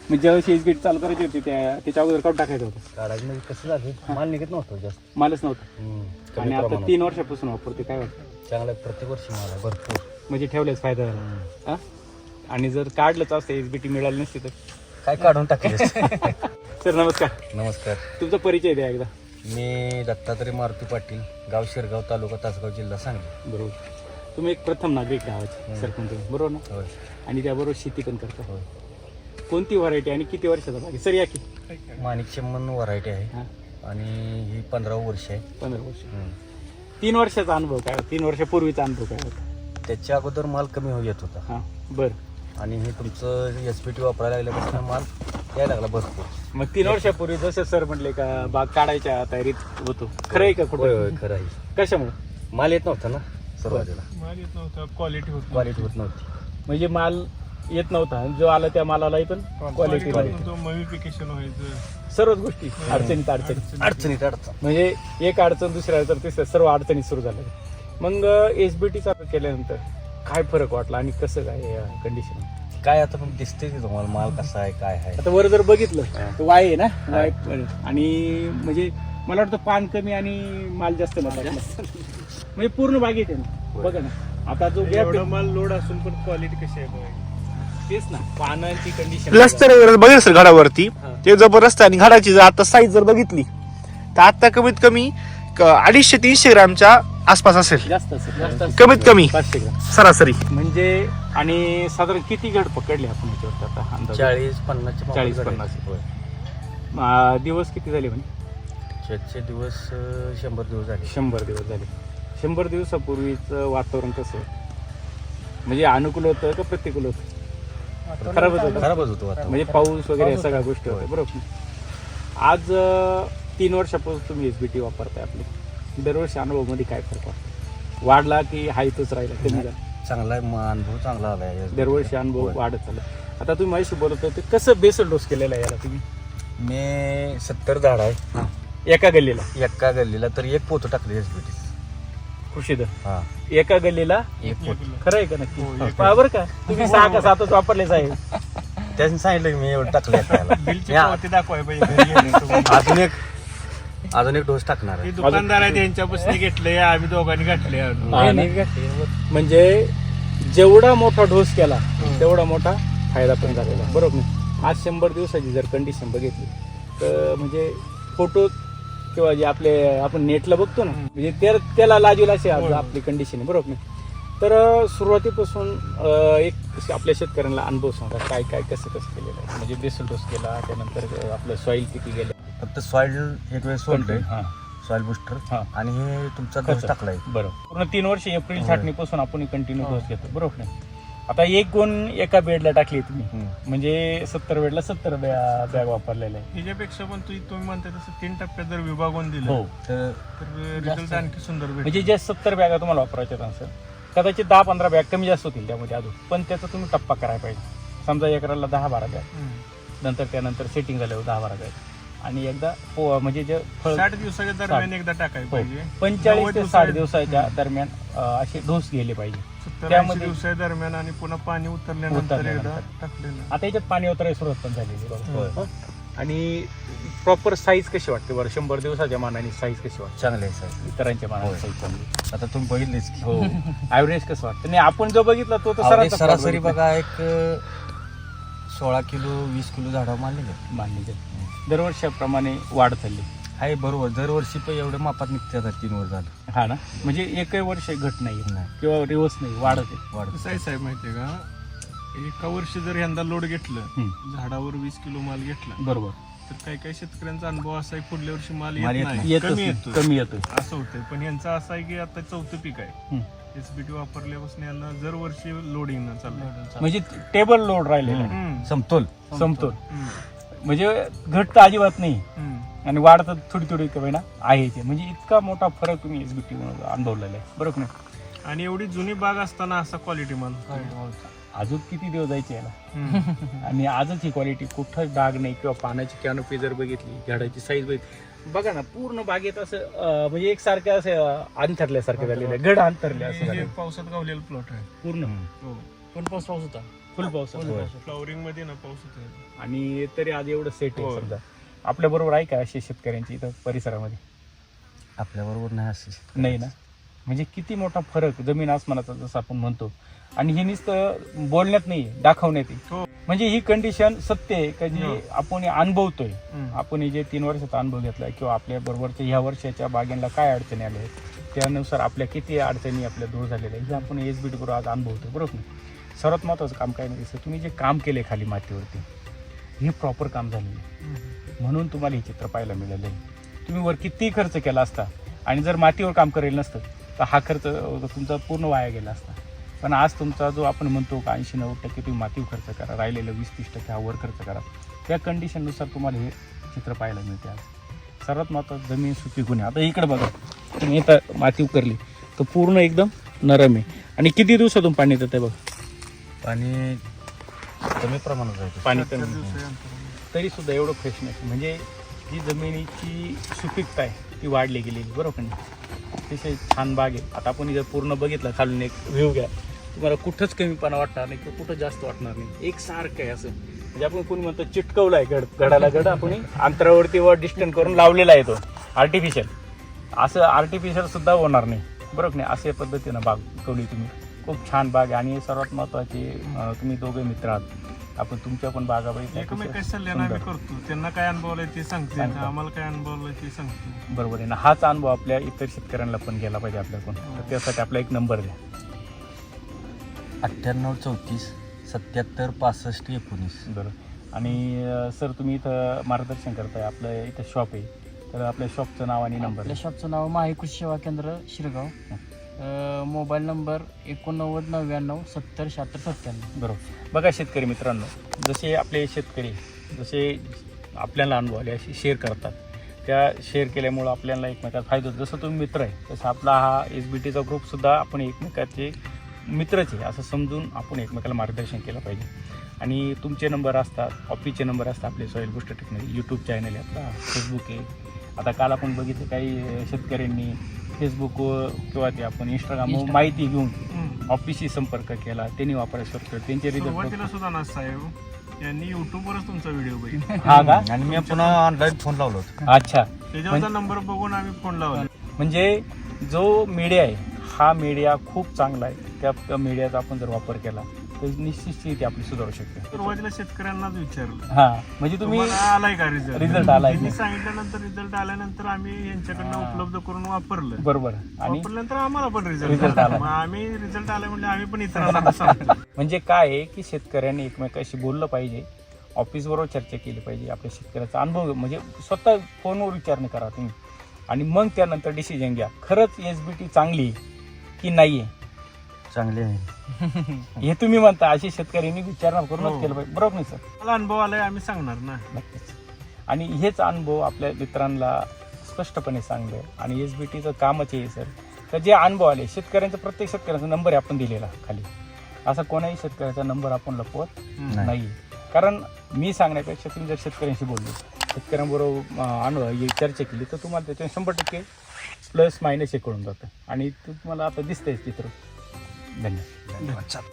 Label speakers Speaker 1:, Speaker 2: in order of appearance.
Speaker 1: म्हणजे ज्यावेळेस एसबीटी चालू करायची होती त्याच्या अगोदर काढून टाकायचं होतं.
Speaker 2: काढायचं म्हणजे कसं झालं, माल निघत नव्हतं जास्त.
Speaker 1: मालच नव्हतं.
Speaker 2: कमी
Speaker 1: आणि आता
Speaker 2: प्रमाणात.
Speaker 1: 3 वर्षापासून वापरते, काय वाटतं?
Speaker 2: चांगला प्रत्येक वर्षी माल आहे भरपूर.
Speaker 1: म्हणजे ठेवल्याच फायदा झाला. हा? आणि जर काढलंच असतं एसबीटी मिळाली नसती तर
Speaker 2: काय काढून टाकले.
Speaker 1: सर नमस्कार.
Speaker 2: नमस्कार.
Speaker 1: तुमचा परिचय द्या एकदा.
Speaker 2: मी दत्तात्रय मारुती पाटील, गाव शिरगाव, तालुका तासगाव, जिल्हा सांगली.
Speaker 1: बरोबर. तुम्ही एक प्रथम नागरिक गावाचे सरपंच, बरोबर ना?
Speaker 2: होय
Speaker 1: आणि त्याबरोबर शेती पण करता.
Speaker 2: होय.
Speaker 1: कोणती व्हरायटी आणि किती वर्षाचा बाग आहे? सर या की.
Speaker 2: माणिक चेम्मन व्हरायटी आहे
Speaker 1: हां,
Speaker 2: आणि ही 15 वर्ष आहे.
Speaker 1: 15 वर्ष. 3 वर्षाचा अनुभव काय होता? 3 वर्षापूर्वीचा अनुभव काय होता?
Speaker 2: त्याच्या अगोदर माल कमी येत होता
Speaker 1: हां, बरं.
Speaker 2: आणि हे तुमचं एसपीटी वापरायला लागल्यापासून माल यायला लागला भरपूर.
Speaker 1: मग 3 वर्षापूर्वी जसे सर म्हटले का बाग काढायच्या तयारीत होतो, खरं आहे का
Speaker 2: होय
Speaker 1: कुठं?
Speaker 2: होय खरं आहे.
Speaker 1: कशामुळे?
Speaker 2: माल येत नव्हता ना सुरुवातीला,
Speaker 3: माल येत नव्हता, क्वालिटी
Speaker 2: क्वालिटी होत नव्हती.
Speaker 1: म्हणजे माल येत नव्हता, जो आला त्या मालालाही पण क्वालिटी
Speaker 3: मविफिकेशन व्हायचं,
Speaker 1: सर्वच गोष्टी अडचणीत अडचणी.
Speaker 2: अडचणीत अडचण.
Speaker 1: म्हणजे एक अडचण दुसऱ्या अडचण तिसऱ्या सर्व अडचणी सुरू झाल्या. मग एसबीटी चालू केल्यानंतर काय फरक वाटला आणि कसं काय कंडिशन?
Speaker 2: काय आता पण दिसते की तुम्हाला माल कसा आहे काय आहे.
Speaker 1: आता वर जर बघितलं तर वाय आहे ना, वाय आणि म्हणजे मला वाटतं पान कमी आणि माल जास्त लागला. म्हणजे पूर्ण बागेत आहे ना, बघा ना. आता जो गॅप
Speaker 3: एवढा माल लोड असून पण क्वालिटी कशी आहे बघा.
Speaker 1: तेच ना, पानांची कंडिशन.
Speaker 4: प्लस्तर बघेल सर घडावरती
Speaker 1: हा.
Speaker 4: ते जबरदस्त आहे. आणि घडाची जर आता साईज जर बघितली तर आता कमीत कमी 250-300 ग्रामच्या आसपास असेल,
Speaker 1: जास्त असेल, जास्त असेल.
Speaker 4: कमीत कमी
Speaker 1: 500 ग्राम
Speaker 4: सरासरी.
Speaker 1: म्हणजे. आणि साधारण किती घड पकडले आपण याच्यावर आता अंदाज?
Speaker 2: 40-50
Speaker 1: 40-50. दिवस किती झाले म्हणे?
Speaker 2: त्याचे दिवस 100 दिवस झाले.
Speaker 1: 100 दिवस झाले. 100 दिवसापूर्वीचं वातावरण कसं होतं? म्हणजे अनुकूल होतं का प्रतिकूल होतं? खराबच होतं.
Speaker 2: खराबच होतो आता.
Speaker 1: म्हणजे पाऊस वगैरे या सगळ्या गोष्टी होत्या, बरोबर. आज 3 वर्षापासून तुम्ही एसबीटी वापरताय. आपले दरवर्षी अनुभवामध्ये काय फरक वाटतो? वाढला की हा इथंच राहिला, कमी झाला?
Speaker 2: चांगला आहे, अनुभव चांगला आला आहे.
Speaker 1: दरवर्षी अनुभव
Speaker 2: होय.
Speaker 1: वाढत चालला. आता तुम्ही माझ्याशी बोलत होते, कसं बेसल डोस केलेला आहे याला तुम्ही?
Speaker 2: मी 70 झाड आहे
Speaker 1: एका गल्लीला
Speaker 2: एका गल्लीला, तर एक पोतं टाकले एसबीटी.
Speaker 1: खुशीद
Speaker 2: हा
Speaker 1: एका गल्लीला
Speaker 2: एक पोत.
Speaker 1: खरं आहे का नक्की? पहा बरं का, तुम्ही 6 का 7च वापरलेच आहे.
Speaker 2: त्यांनी सांगितलं की मी एवढं टाकले.
Speaker 3: बिलची पावती दाखवाय पाहिजे घरी गेल्यानंतर.
Speaker 2: अजून एक डोस टाकणार
Speaker 3: ते
Speaker 2: आहे.
Speaker 3: दुकानदार आहे त्यांच्यापासून घेतले, आम्ही दोघांनी घातले.
Speaker 1: म्हणजे जेवढा मोठा डोस केला तेवढा मोठा फायदा पण झालेला, बरोबर ना? आज 100 दिवसाची जर कंडिशन बघितली तर म्हणजे फोटो किंवा जे आपले आपण नेटला बघतो ना, म्हणजे त्याला लाजवेल अशी आज आपली कंडिशन आहे, बरोबर ना? तर सुरुवातीपासून एक आपल्या शेतकऱ्यांना अनुभव सांगा, काय काय कसं कसं केलेलं आहे. म्हणजे बेसल डोस केला, त्यानंतर आपलं सॉईल किती गेलं,
Speaker 2: फक्त सॉइल एक वेळ सोडलंय,
Speaker 1: हां
Speaker 2: सॉइल बुस्टर,
Speaker 1: हां.
Speaker 2: आणि हे तुमचा डोस टाकलाय.
Speaker 1: बरोबर. पूर्ण 3 वर्ष एप्रिल छाटणीपासून आपण कंटिन्यू डोस घेतो, बरोबर ना? आता एक गुण एका बेडला टाकली तुम्ही, म्हणजे 70 बेडला 70 बॅग वापरलेले आहे.
Speaker 3: त्याच्यापेक्षा पण तुम्ही म्हणता तसं 3 टप्प्यात जर विभागून दिलं
Speaker 1: हो.
Speaker 2: तर
Speaker 3: रिझल्ट आणखी सुंदर भेटेल.
Speaker 1: म्हणजे जे 70 बॅगा तुम्हाला वापरायच्या असेल, कदाचित 10-15 बॅग कमी जास्त होतील त्यामध्ये अजून, पण त्याचा तुम्ही टप्पा करायला पाहिजे. समजा एकराला 10-12 बॅग, नंतर त्यानंतर सेटिंग झाल्यावर 10-12 बॅग, आणि एकदा म्हणजे जे
Speaker 3: 60 दिवसाच्या दरम्यान एकदा टाकायला पाहिजे.
Speaker 1: 45 ते 60 दिवसाच्या दरम्यान असे डोस गेले पाहिजे.
Speaker 3: 70-80 दिवसाच्या दरम्यान आणि पुन्हा पाणी उतरल्यानंतर एकदा टाकलेलं.
Speaker 1: आता याच्यात पाणी उतरायला सुरुवात पण झालेली बरोबर. आणि प्रॉपर साईज कशी वाटते बरं? 100 दिवसाच्या मानाने साईज कशी वाटते?
Speaker 2: चांगले आहे साहेब.
Speaker 1: इतरांच्या मानाने
Speaker 2: होय.
Speaker 1: साईज चांगली.
Speaker 2: आता तुम्ही बघितलेच की.
Speaker 1: हो. ऍव्हरेज कसं वाटतं? नाही, आपण जो बघितला तो तर
Speaker 2: Average
Speaker 1: सरासरी
Speaker 2: सरासरी बघा, एक 16 किलो 20 किलो झाडा मानले
Speaker 1: मानली दरवर्षाप्रमाणे वाढ चालली
Speaker 2: आहे. बरोबर, दरवर्षी पण एवढ्या मापात निघते आता 3 वर्ष झालं.
Speaker 1: हा ना, म्हणजे एकही वर्ष घट नाही
Speaker 2: नाही.
Speaker 1: किंवा रिवर्स नाही, वाढत आहे.
Speaker 2: वाढत.
Speaker 3: कसं आहे साहेब माहितीये का, एका वर्षी जर यंदा लोड घेतलं, झाडावर 20 किलो माल घेतला,
Speaker 1: बरोबर.
Speaker 3: तर काही काही शेतकऱ्यांचा अनुभव असा आहे पुढल्या वर्षी माल
Speaker 2: माल
Speaker 3: येत
Speaker 2: येत
Speaker 3: नाही,
Speaker 1: येतच
Speaker 3: कमी
Speaker 1: नाही,
Speaker 3: येतो,
Speaker 1: कमी येतोय.
Speaker 3: असं होतंय. पण यांचा असा आहे की आता 4थं पीक आहे, एसबीटी वापरल्यापासून यांना दर वर्षी लोडिंग चाललं.
Speaker 1: म्हणजे टेबल लोड राहिलेला आहे.
Speaker 2: समतोल.
Speaker 1: समतोल. म्हणजे घट तर अजिबात नाही आणि वाढ तर थोडी थोडी कमी ना आहे ते. म्हणजे इतका मोठा फरक तुम्ही एसबीटी अनुभवलेला आहे, बरोबर ना?
Speaker 3: आणि एवढी जुनी बाग असताना असा क्वालिटी माल.
Speaker 1: अजून किती दिवस जायचे याला, आणि आजच ही क्वालिटी, कुठंच डाग नाही किंवा पानाची कॅनोपी जर बघितली, झाडाची साईज बघितली, बघा ना पूर्ण बागेत असं म्हणजे एकसारख्या असं अंतरल्यासारखे झालेलं आहे, घड अंतरले असं
Speaker 3: हे
Speaker 1: झालं
Speaker 3: पावसात गावलेला प्लॉट आहे
Speaker 1: पूर्ण.
Speaker 3: हो.
Speaker 1: पण पाऊस होता फुल पाऊस आहे.
Speaker 3: फ्लॉवरिंग मध्ये ना पाऊस होतो.
Speaker 1: आणि तरी आज एवढं सेट आहे
Speaker 3: हो.
Speaker 1: समजा आपल्या बरोबर आहे का अशी शेतकऱ्यांची इथं परिसरामध्ये?
Speaker 2: आपल्याबरोबर नाही असे
Speaker 1: नाही ना. म्हणजे किती मोठा फरक जमीन आसमानाचा जसं आपण म्हणतो. आणि हे नुसतं बोलण्यात नाही, दाखवण्यात आहे.
Speaker 3: हो.
Speaker 1: म्हणजे ही कंडिशन सत्य आहे का जी
Speaker 3: हो.
Speaker 1: आपण अनुभवतोय.
Speaker 3: हम्म.
Speaker 1: आपण हे जे 3 वर्षाचा अनुभव घेतला किंवा आपल्या बरोबरच्या ह्या वर्षाच्या बागेला काय अडचणी आल्या आहेत त्यानुसार आपल्या किती अडचणी आपल्या दूर झालेल्या आहेत हे आपण SBT बरोबर आज अनुभवतो, बरोबर ना. सर्वात महत्त्वाचं काम काय नाही तुम्ही जे काम केले खाली मातीवरती हे प्रॉपर काम झालेलं आहे. म्हणून तुम्हाला हे चित्र पाहायला मिळालं आहे. तुम्ही वर कितीही खर्च केला असता आणि जर मातीवर काम करेल नसतं तर हा खर्च तुमचा पूर्ण वाया गेला असता. पण आज तुमचा जो आपण म्हणतो का 80-90% तुम्ही मातीवर खर्च करा, राहिलेलं 20-30% हा वर खर्च करा. त्या कंडिशननुसार तुम्हाला हे चित्र पाहायला मिळते आज. सर्वात महत्त्वाचं जमीन सुपीक होणे. आता इकडे बघा तुम्ही इथं माती उकरली तर पूर्ण एकदम नरम आहे. आणि किती दिवसातून पाणी येतं ते बघा.
Speaker 2: पाणी कमी प्रमाणात राहते.
Speaker 1: पाणी
Speaker 3: 4
Speaker 1: कमी
Speaker 3: दिवसाच्या अंतराने.
Speaker 1: तरी सुद्धा एवढं फ्रेशनेस म्हणजे जी जमिनीची सुपीकता आहे ती वाढली गेलेली, बरोबर नाही. अतिशय छान बाग आहे. आता आपण जर पूर्ण बघितलं खालून एक व्ह्यू घ्या तुम्हाला कुठंच कमीपणा वाटणार नाही किंवा कुठं जास्त वाटणार नाही. एकसारखं आहे असं. म्हणजे आपण कोणी म्हणतो चिटकवलं आहे घडाला घड आपण अंतरावरती वर डिस्टन्स करून लावलेला आहे तो आर्टिफिशियल. असं आर्टिफिशियल सुद्धा होणार नाही, बरोबर नाही. अशा पद्धतीनं बाग पिकवली तुम्ही. खूप छान बाग आहे. आणि सर्वात महत्त्वाचे तुम्ही दोघे मित्र आहात. आपण तुमच्या पण बागा
Speaker 3: एकमेकांच्या सल्ल्यानं आम्ही करतो. त्यांना काय अनुभवलंय ते सांगते, आम्हाला काय अनुभवलंय ते सांगतो.
Speaker 1: बरोबर आहे ना. हाच अनुभव आपल्या इतर शेतकऱ्यांना पण गेला पाहिजे आपल्याकडून. तर त्यासाठी आपला एक नंबर द्या.
Speaker 2: 98 34 77 65 19.
Speaker 1: बरोबर. आणि सर तुम्ही इथं मार्गदर्शन करताय, आपलं इथं शॉप आहे तर आपल्या शॉपचं नाव आणि नंबर.
Speaker 5: आपल्या शॉपचं नाव माही कृषी सेवा केंद्र शिरगाव. Mobile number 89 99 70 76 97.
Speaker 1: बरोबर. बघा शेतकरी मित्रांनो, जसे आपले शेतकरी जसे आपल्याला अनुभव आले असे शेअर करतात. त्या शेअर केल्यामुळं आपल्याला एकमेकात फायदा होतो. जसं तुम्ही मित्र आहे तसं आपला हा SBTचा ग्रुपसुद्धा आपण एकमेकाचे मित्रच आहे असं समजून आपण एकमेकाला मार्गदर्शन केलं पाहिजे. आणि तुमचे नंबर असतात, ऑफिसचे नंबर असतात, आपले soil booster technology YouTube channel आहे आपला, फेसबुक आहे. आता काल आपण बघितलं काही शेतकऱ्यांनी फेसबुक किंवा ते आपण इंस्टाग्राम माहिती घेऊन ऑफिसशी संपर्क केला, त्यांनी वापरायला सुरू केलं, त्यांचे
Speaker 3: सुरुवातीला
Speaker 1: रिझल्ट.
Speaker 3: सुद्धा ना साहेब यांनी युट्यूबवरच तुमचा व्हिडिओ बघितला.
Speaker 1: हा का?
Speaker 2: आणि मी पुन्हा ऑनलाईन फोन लावलो होतो.
Speaker 1: अच्छा.
Speaker 3: त्याच्यावरचा नंबर बघून आम्ही फोन लावला.
Speaker 1: म्हणजे जो मीडिया आहे हा मीडिया खूप चांगला आहे. त्या मीडियाचा आपण जर वापर केला तर निश्चित ती आपली सुधारू शकते.
Speaker 3: सुरुवातीला शेतकऱ्यांनाच विचारलं
Speaker 1: हा म्हणजे तुम्ही
Speaker 3: तुम्हाला आलाय का
Speaker 1: रिझल्ट आलाय
Speaker 3: त्यांनी
Speaker 1: का?
Speaker 3: सांगितल्यानंतर रिझल्ट आल्यानंतर आम्ही यांच्याकडनं उपलब्ध करून वापरलं.
Speaker 1: बरोबर. आणि
Speaker 3: वापरल्यानंतर आम्हाला पण
Speaker 1: Result
Speaker 3: रिझल्ट
Speaker 1: आला.
Speaker 3: आला. मग आम्ही रिझल्ट आला म्हणजे आम्ही पण इतरांना सांगतो.
Speaker 1: म्हणजे काय आहे की शेतकऱ्यांनी एकमेकाशी बोललं पाहिजे, ऑफिसबरोबर चर्चा केली पाहिजे, आपल्या शेतकऱ्याचा अनुभव म्हणजे स्वतः फोनवर विचारणं करा तुम्ही आणि मग त्यानंतर डिसिजन घ्या. खरंच SBT चांगली आहे की नाही आहे
Speaker 2: चांगले आहे.
Speaker 1: हे तुम्ही म्हणता. अशी शेतकऱ्यांनी विचारणा करूनच
Speaker 3: हो.
Speaker 1: केलं पाहिजे, बरोबर नाही सर?
Speaker 3: मला अनुभव आलाय आम्ही सांगणार ना.
Speaker 1: नक्कीच. आणि हेच अनुभव आपल्या मित्रांना स्पष्टपणे सांगलं. आणि SBTचं कामच आहे सर, तर जे अनुभव आले शेतकऱ्यांचा, प्रत्येक शेतकऱ्याचा नंबर आहे आपण दिलेला खाली. असा कोणाही शेतकऱ्याचा नंबर आपण लपवत नाही. कारण मी सांगण्यापेक्षा तुम्ही जर शेतकऱ्यांशी बोलले, शेतकऱ्यांबरोबर अनुभव चर्चा केली तर तुम्हाला त्याच्या 100% प्लस मायनस हे कळून जातं. आणि तुम्हाला आता दिसतंय चित्र. धन्यवाद.